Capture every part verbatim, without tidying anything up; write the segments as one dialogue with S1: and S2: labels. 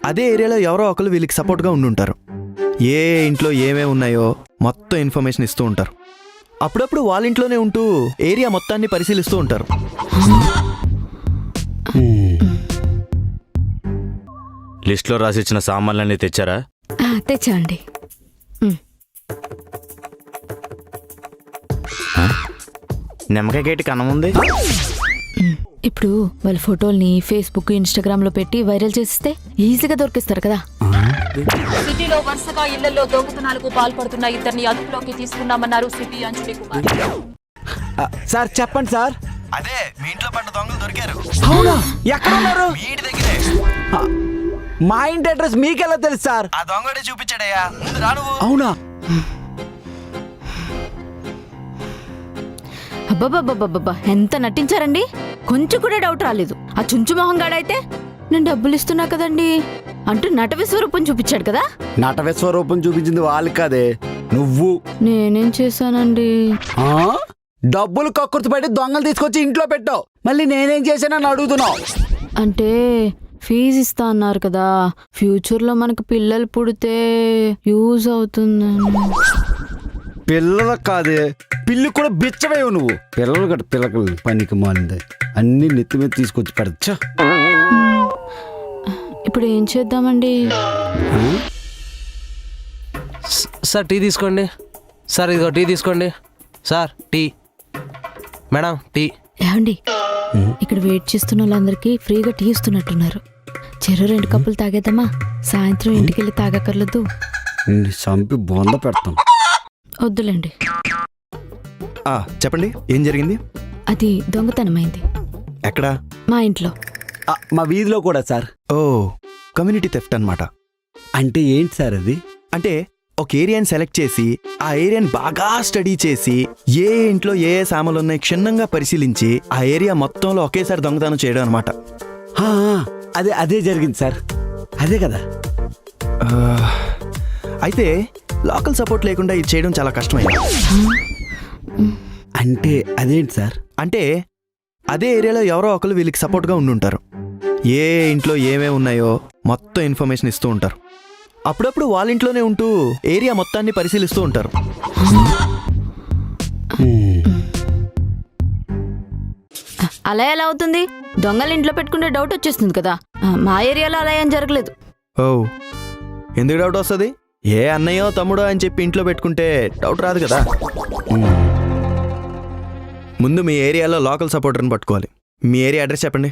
S1: అదే ఏరియాలో ఎవరో ఒకరు వీళ్ళకి సపోర్ట్గా ఉండుంటారు. ఏ ఇంట్లో ఏమేమి ఉన్నాయో మొత్తం ఇన్ఫర్మేషన్ ఇస్తూ ఉంటారు. అప్పుడప్పుడు వాళ్ళ ఇంట్లోనే ఉంటూ ఏరియా మొత్తాన్ని పరిశీలిస్తూ ఉంటారు.
S2: లిస్ట్లో రాసిచ్చిన సామాన్లన్నీ తెచ్చారా?
S3: తెచ్చాండి.
S2: నిమ్మకాయ గేటి కనముంది.
S3: ఇప్పుడు వాళ్ళ ఫోటోల్ని ఫేస్బుక్ ఇన్స్టాగ్రామ్ లో పెట్టి వైరల్ చేస్తే ఈజీగా దొరికిస్తారు కదా.
S4: సిటీలో వరుసగా ఇళ్లలో దొంగతనాలకు పాల్పడుతున్న ఇద్దరిని అదుపులోకి తీసుకున్నామన్నారు సిపి అంజలి కుమార్.
S5: సార్ చెప్పండి సార్.
S1: అదే మీ ఇంట్లో పడ్డ దొంగలు దొరికారు.
S5: అవునా? ఎక్కడ ఉన్నారు?
S1: మీ ఇంటి దగ్గరే.
S5: మా ఇంటి అడ్రస్ మీకెలా తెలుసు సార్?
S1: ఆ దొంగడే చూపించాడయ్యా. ముందు రా నువ్వు.
S5: అవునా?
S3: అబ్బాబాబాబాబా ఎంత నటించారండి. కొంచెం కూడా డౌట్ రాలేదు. ఆ చుంచు మొహం గాడైతే నేను డబ్బులు ఇస్తున్నా కదండి అంటూ నట విశ్వరూపం చూపించాడు కదా.
S5: నట విశ్వరూపం చూపించింది వాళ్ళు కాదే, నువ్వు.
S3: నేనేం చేశానండి?
S5: ఆ? డబ్బులు కక్కుర్తి పడి దొంగలు తీసుకొచ్చి ఇంట్లో పెట్టావు. మళ్ళీ నేనేం చేశానని అడుగుతున్నావు.
S3: అంటే ఫీజు ఇస్తా అన్నారు కదా, ఫ్యూచర్ లో మనకు పిల్లలు పుడితే యూజ్ అవుతుందని.
S5: పిల్లలకు కాదే, పిల్లి కూడా బిచ్చవేవు నువ్వు. పిల్లలు కట్ట పిల్లకలు పనికి మాలింది అన్ని నెత్తి మీద తీసుకొచ్చి పెడచ్చా.
S3: ఇప్పుడు ఏం చేద్దామండి?
S6: సార్ టీ తీసుకోండి. సార్ ఇదిగో టీ తీసుకోండి. Sir tea. Madam tea.
S3: ఏమండి, ఇక్కడ వెయిట్ చేస్తున్న వాళ్ళందరికీ ఫ్రీగా టీ ఇస్తున్నట్టున్నారు. చెరు రెండు కప్పులు తాగేద్దామా? సాయంత్రం ఇంటికి వెళ్ళి తాగక్కర్లేదు.
S5: చంపి బొంద పెడతాం.
S3: వద్దులేండి.
S1: చెప్పండి, ఏం జరిగింది?
S3: అది దొంగతనమైంది.
S1: ఎక్కడా?
S3: మా ఇంట్లో.
S5: ఆ, మా వీధిలో కూడా సార్.
S1: ఓ, కమ్యూనిటీ థెఫ్ట్ అన్నమాట.
S5: అంటే ఏంటి సార్ అది?
S1: అంటే ఒక ఏరియాని సెలెక్ట్ చేసి ఆ ఏరియాని బాగా స్టడీ చేసి ఏ ఇంట్లో ఏ ఏ సామాన్లు ఉన్నాయి క్షుణ్ణంగా పరిశీలించి ఆ ఏరియా మొత్తంలో ఒకేసారి దొంగతనం చేయడం అనమాట.
S5: అదే అదే జరిగింది సార్. అదే కదా.
S1: అయితే లోకల్ సపోర్ట్ లేకుండా ఇది చేయడం చాలా కష్టమైంది.
S5: అంటే అదేంటి సార్?
S1: అంటే అదే ఏరియాలో ఎవరో ఒకరు వీళ్ళకి సపోర్ట్గా ఉండుంటారు. ఏ ఇంట్లో ఏమేమి ఉన్నాయో మొత్తం ఇన్ఫర్మేషన్ ఇస్తూ ఉంటారు. అప్పుడప్పుడు వాళ్ళ ఇంట్లోనే ఉంటూ ఏరియా మొత్తాన్ని పరిశీలిస్తూ ఉంటారు.
S3: అలా ఎలా అవుతుంది? దొంగలు ఇంట్లో పెట్టుకుంటే డౌట్ వచ్చేస్తుంది కదా. మా ఏరియాలో అలా ఏం జరగలేదు.
S1: ఓ, ఎందుకు డౌట్ వస్తుంది? ఏ అన్నయ్యో తమ్ముడో అని చెప్పి ఇంట్లో పెట్టుకుంటే డౌట్ రాదు కదా. ముందు మీ ఏరియాలో లోకల్ సపోర్టర్ని పట్టుకోవాలి. మీ ఏరియా అడ్రస్ చెప్పండి.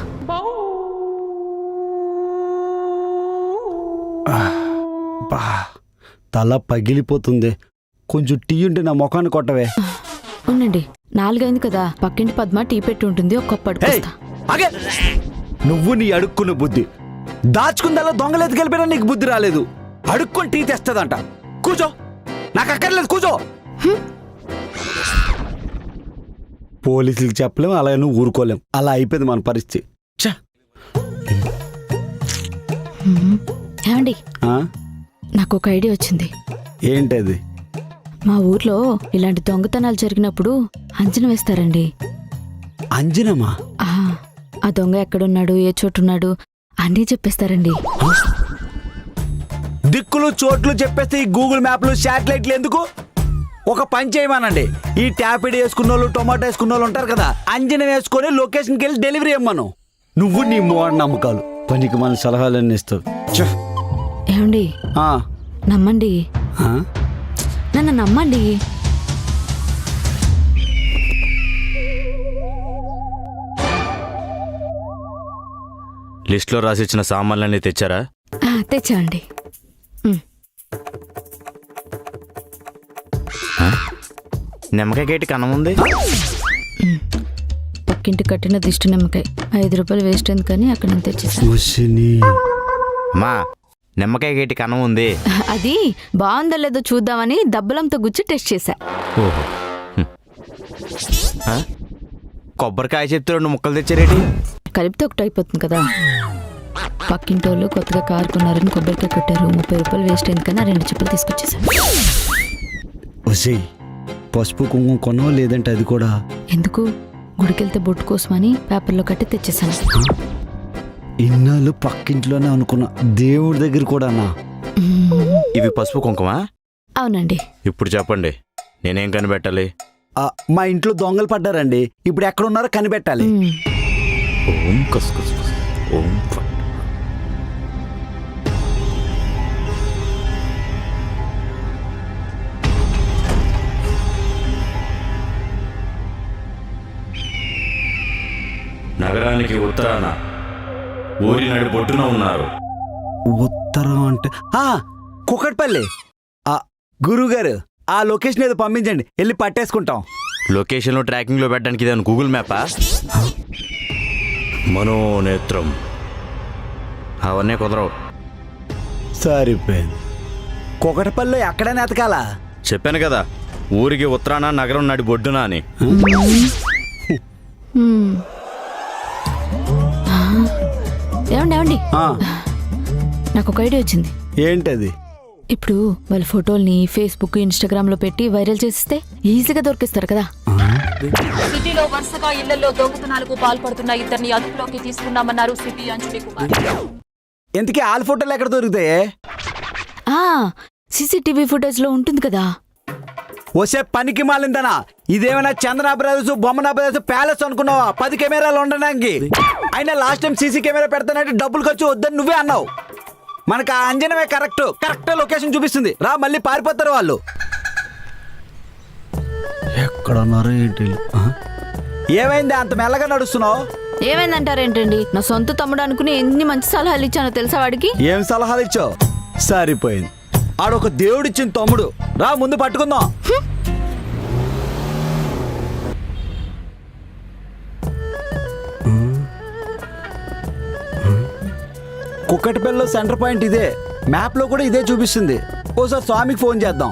S5: బా, తల పగిలిపోతుంది. కొంచెం టీ ఉంటే నా ముఖాన్ని కొట్టవే.
S3: ఉండండి, నాలుగైంది కదా. పక్కింటి పద్మ టీ పెట్టి ఉంటుంది, ఒక కప్పు అడుగుతా.
S5: అగే, నువ్వు నీ అడుక్కున్న బుద్ధి దాచుకుందల్లా దొంగలు ఎత్తుకెళ్ళిపోయినా నీకు బుద్ధి రాలేదు. అడుక్కొని టీ తెస్తుందంట. కూర్చో, నాకు అక్కర్లేదు, కూర్చో. పోలీసులకు చెప్పలేం, అలా నువ్వు ఊరుకోలేం. అలా అయిపోయింది మన పరిస్థితి.
S3: ఏమండి, నాకు ఒక ఐడియా వచ్చింది.
S5: ఏంటది?
S3: మా ఊర్లో ఇలాంటి దొంగతనాలు జరిగినప్పుడు అంచనా వేస్తారండి.
S5: అంజనమా?
S3: ఆ దొంగ ఎక్కడున్నాడు, ఏ చోటున్నాడు అన్నీ చెప్పేస్తారండి.
S5: దిక్కులు చోట్లు చెప్పేస్తే ఈ గూగుల్ మ్యాప్లు శాటిలైట్లు ఎందుకు? ఒక పని చేయమనండి. ఈ ట్యాపిడ్ వేసుకున్న వాళ్ళు, టొమాటో వేసుకున్న వాళ్ళు ఉంటారు కదా, అంజనం వేసుకొని లొకేషన్కి వెళ్ళి డెలివరీ ఇవ్వమను. నువ్వు నీ మూఢ నమ్మకాలు పనికి మన సలహాలన్నీ ఇస్తావు.
S3: ఏమండి, నమ్మండి, నన్ను నమ్మండి.
S2: లిస్ట్లో రాసిచ్చిన సామాన్లన్నీ తెచ్చారా?
S3: తెచ్చాండి.
S2: నిమ్మకాయ గేటి కనముంది.
S3: పక్కింటి కట్టిన దిష్టి నిమ్మకాయ ఐదు రూపాయలు వేస్ట్ అయింది కానీ అక్కడ నేను తెచ్చేసాను.
S2: మా నిమ్మకాయ గేటి కనం ఉంది.
S3: అది బాగుందో లేదో చూద్దామని దబ్బలంతో గుచ్చి టెస్ట్ చేశా.
S2: ఓహో, కొబ్బరికాయ చెప్తే రెండు ముక్కలు తెచ్చారేటి?
S3: కలిపితే ఒకటి అయిపోతుంది కదా. పక్కింటోళ్ళు కొత్తగా కారు కొన్నారని కొబ్బరికాయ కొట్టారు. ముప్పై రూపాయలు వేస్ట్ అయింది కానీ ఆ రెండు చెప్పులు తీసుకొచ్చేసాను.
S5: పసుపు కుంకుమ కొనో లేదంటే అది కూడా
S3: ఎందుకు? గుడికెళ్తే బొట్టు కోసమని పేపర్లో కట్టి తెచ్చేసాను.
S5: ఇన్నాళ్ళు పక్కింట్లోనే అనుకున్నా, దేవుడి దగ్గర కూడానా?
S2: ఇవి పసుపు కుంకుమ.
S3: అవునండి.
S2: ఇప్పుడు చెప్పండి, నేనేం కనిపెట్టాలి?
S5: ఆ, మా ఇంట్లో దొంగలు పడ్డారండి. ఇప్పుడు ఎక్కడ ఉన్నారో కనిపెట్టాలి.
S3: మ్మ్.
S2: ఓం కస్ కస్ కస్. ఓం ఫట్. నగరానికి ఉత్తరాన ఊరి నడి బొడ్డున ఉన్నారు.
S5: ఉత్తరం అంటే ఆ, కుకట్పల్లి. ఆ, గురువుగారు ఆ లొకేషన్ ఏదో పంపించండి, వెళ్ళి పట్టేసుకుంటాం.
S2: లొకేషన్లో ట్రాకింగ్లో పెట్టడానికి ఇదే గూగుల్ మ్యాపా? మనోనేత్రం అవన్నీ కుదరవు.
S5: సరిపోయింది. కుకటపల్లి ఎక్కడైనా ఎతకాలా?
S2: చెప్పాను కదా, ఊరికి ఉత్తరాన నగరం నడి బొడ్డున అని.
S3: మ్మ్. ఏమండి ఏమండి
S5: ఆ,
S3: నాకు ఒక ఐడియా వచ్చింది.
S5: ఏంటది?
S3: ఇప్పుడు వాళ్ళ ఫోటోల్ని ఫేస్బుక్ ఇన్స్టాగ్రామ్ లో పెట్టి వైరల్ చేస్తే ఈజీగా దొరికిస్తారు కదా.
S4: సిటీలో వరుసగా ఇళ్లలో దొంగతనాలకు పాల్పడుతున్న ఇద్దరిని అదుపులోకి తీసుకున్నామన్నారు సిపి అంజలి కుమార్.
S5: ఎందుకే ఆల్ ఫోటోలు ఎక్కడ దొరుకుతాయి?
S3: ఆ సీసీటీవీ ఫుటేజ్ లో ఉంటుంది కదా.
S5: వసే పనికి మాలిందనా? ఇదేమైనా Chandana brothers, Bommana brothers palace అనుకున్నావా? పది కెమెరాలు ఉండడానికి. అయినా లాస్ట్ టైం సీసీ కెమెరా పెడతానంటే డబ్బులు ఖర్చు వద్దని నువ్వే అన్నావు. మనకు ఆ అంజనమే కరెక్ట్ కరెక్ట్ లొకేషన్ చూపిస్తుంది. రా, మళ్ళీ పారిపోతారు వాళ్ళు. ఎక్కడున్నారో ఏంటి? ఏమైంది అంత మెల్లగా నడుస్తున్నావు?
S3: ఏమైందంటారేంటండి? నా సొంత తమ్ముడు అనుకుని ఎన్ని మంచి సలహాలు ఇచ్చానో తెలుసా వాడికి?
S5: ఏం సలహాలు ఇచ్చావు? సరిపోయింది. ఆడొక దేవుడిచ్చిన తమ్ముడు. రా, ముందు పట్టుకుందాం. కుక్కటిపల్లిలో సెంటర్ పాయింట్ ఇదే. మ్యాప్ లో కూడా ఇదే చూపిస్తుంది. ఓసారి స్వామికి ఫోన్ చేద్దాం.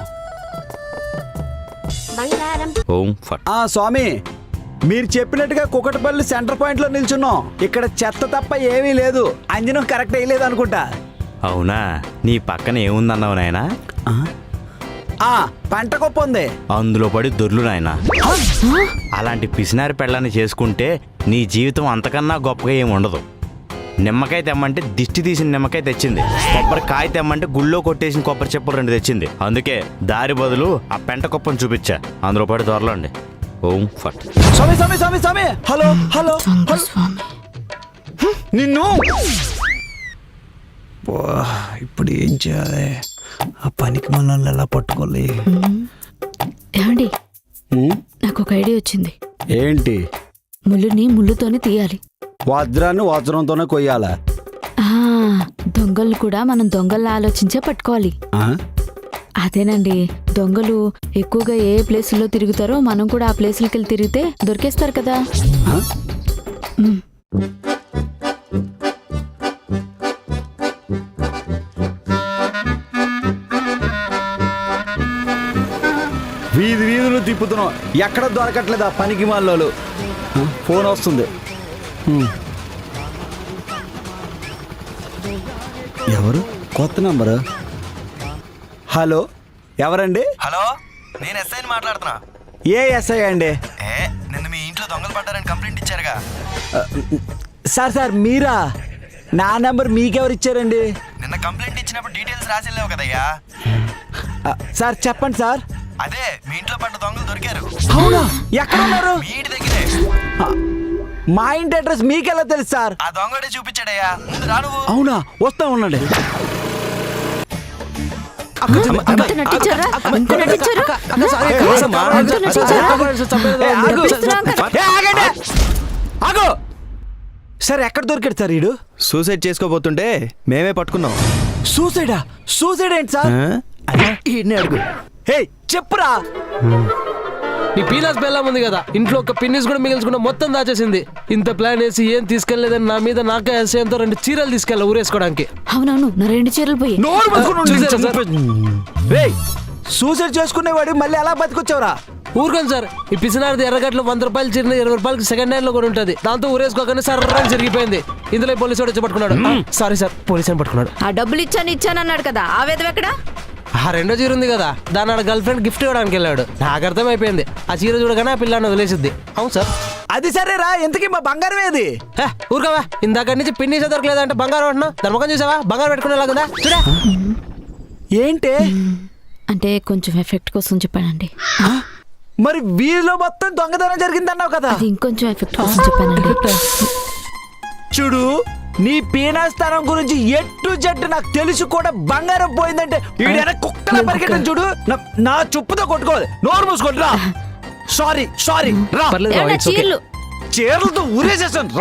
S2: ఓం ఫట్.
S5: ఆ స్వామి, మీరు చెప్పినట్టుగా కుక్కటిపల్లి సెంటర్ పాయింట్ లో నిల్చున్నాం. ఇక్కడ చెత్త తప్ప ఏమీ లేదు. అంజనం కరెక్ట్ అయ్యలేదు అనుకుంటా.
S2: అవునా? నీ పక్కన ఏముందన్నావు నాయనా?
S5: ఆ పంట కుప్ప ఉంది.
S2: అందులో పడి దొర్లు నాయనా. అలాంటి పిసినారి పెళ్ళాన్ని చేసుకుంటే నీ జీవితం అంతకన్నా గొప్పగా ఏమి ఉండదు. నిమ్మకాయ తెమ్మంటే దిష్టి తీసిన నిమ్మకాయ తెచ్చింది. కొబ్బరికాయ తెమ్మంటే గుళ్ళో కొట్టేసిన కొబ్బరి చెప్పులు రెండు తెచ్చింది. అందుకే దారి బదులు ఆ పెంట కుప్పను చూపించా. అందులో పడి దొరలండి. ఓం ఫట్.
S5: స్వామి స్వామి స్వామి స్వామి హలో హలో హలో.
S3: స్వామి
S5: నిన్ను ఇప్పుడు ఏం చేయాలి? ఆ పనికి మనల్ని ఎలా పట్టుకోవాలి?
S3: ఏమండి,
S5: ఉమ్,
S3: నాకు ఒక ఐడియా వచ్చింది.
S5: ఏంటి?
S3: ముళ్ళుని ముళ్ళుతోనే తీయాలి.
S5: వజ్రాన్ని వజ్రంతోనే కొయ్యాలా?
S3: ఆ దొంగలు కూడా మనం దొంగల్ని ఆలోచించే పట్టుకోవాలి.
S5: ఆ?
S3: అదేనండి, దొంగలు ఎక్కువగా ఏ ప్లేసుల్లో తిరుగుతారో మనం కూడా ఆ ప్లేసులకి వెళ్ళి తిరిగితే దొరికేస్తారు కదా.
S5: ఆ?
S3: మ్మ్.
S5: వీధి వీధులు తిప్పుతున్నాం, ఎక్కడ దొరకట్లేదు ఆ పనికి మాలోలు. ఫోన్ వస్తుంది. ఉమ్. ఎవరు? కొత్త నంబరు. హలో, ఎవరండి?
S1: హలో, నేను ఎస్ఐని మాట్లాడుతున్నా.
S5: ఏ ఎస్ఐ అండి?
S1: ఏ నిన్న మీ ఇంట్లో దొంగలు పడ్డారని కంప్లైంట్ ఇచ్చారుగా.
S5: సార్ సార్ మీరా? నా నెంబర్ మీకెవరు ఇచ్చారండి?
S1: నిన్న కంప్లైంట్ ఇచ్చినప్పుడు డీటెయిల్స్ రాసి వెళ్ళావు కదయ్యా.
S5: ఆ, సార్ చెప్పండి సార్.
S1: అదే మీ ఇంట్లో పడ్డ దొంగలు దొరికారు.
S5: అవునా? ఎక్కడ ఉన్నారు?
S1: మీ ఇంటి దగ్గరే.
S5: ఆ, మా ఇంటి అడ్రస్ మీకెలా తెలుసు సార్?
S1: ఆ దొంగడే చూపించాడయ్యా. ముందు రా నువ్వు.
S5: అవునా? వస్తా ఉండండి.
S3: అంత నటించారా? అంత నటించారా? అంత నటించారా?
S5: ఏ, ఆగు.
S3: నటిస్తున్నాం కదా.
S5: ఏ, ఆగండి. ఆగు. సార్ ఎక్కడ దొరికాడు సార్ వీడు?
S1: సూసైడ్ చేసుకోబోతుంటే మేమే పట్టుకున్నాం.
S5: సూసైడా? సూసైడ్ ఏంటి సార్?
S1: అదే ఈయన్ని అడుగు.
S5: హే చెప్పురా.
S6: నీ పీలాస్ బెల్లం ఉంది కదా, ఇంట్లో ఒక పిన్నిస్ కూడా మిగిల్చుకున్న మొత్తం దాచేసింది. ఇంత ప్లాన్ వేసి ఏం తీసుకెళ్లేదని నా మీద నాకే ఎస్ఐతో రెండు చీరలు తీసుకెళ్ళా ఊరేసుకోవడానికి.
S3: అవునవును, నా రెండు చీరలు పోయి.
S5: నోరు మూసుకుని ఉండు.
S6: చూసారా సార్?
S5: రేయ్, సూసైడ్ చేసుకునేవాడు మళ్ళీ ఎలా బతికొచ్చావురా?
S6: ఊరుకోండి సార్, ఈ పిసినారిది ఎర్రగట్లో వంద రూపాయలు చీర ఇరవై రూపాయలకి సెకండ్ హ్యాండ్ లో కూడా ఉంటుంది. దాంతో ఊరేసుకోగానే సర్రాన్ని జరిగిపోయింది. ఇందులో పోలీసు వాడు వచ్చి పట్టుకున్నాడు. సారీ సార్, పోలీసు అని పట్టుకున్నాడు.
S3: ఆ డబ్బులు ఇచ్చాను ఇచ్చాను అన్నాడు కదా, ఆ వేదం ఎక్కడ?
S6: ఆ రెండో చీర ఉంది కదా, దాన్ని ఆడ గర్ల్ ఫ్రెండ్ గిఫ్ట్ ఇవ్వడానికి వెళ్ళాడు. నాకు అర్థమైపోయింది, ఆ చీర చూడగానే ఆ పిల్లని వదిలేసిద్ది. అవును సార్.
S5: అది సరేరా, ఇంతకీ మా బంగారం ఏది?
S6: హే, ఊరుకోవా ఇందాక నుంచి పిన్నీసే దొరకలేదంటే బంగారం అంటున్నావు. ధర్మకం చూసావా బంగారం పెట్టుకునేలాగుందా చూడా.
S5: ఏంటి
S3: అంటే కొంచెం ఎఫెక్ట్ కోసం చెప్పానండి.
S5: మరి వీధిలో మొత్తం దొంగతనం జరిగిందన్నావు కదా.
S3: అది ఇంకొంచెం ఎఫెక్ట్ కోసం చెప్పానండి.
S5: చూడు, నీ పీనాస్థానం గురించి ఎట్టు జట్టు నాకు తెలుసు కూడా బంగారం పోయిందంటే ఈడైనా కుక్కల పరిగెట్టం చూడు. నా- నా చెప్పుతో కొట్టుకోవాలి. నోరు మూసుకుంటురా. సారీ సారీ రా.
S6: పర్లేదు
S3: ఏమన్నా
S6: it's okay.
S3: చీరలు
S5: చీరలతో ఊరేసేసాను.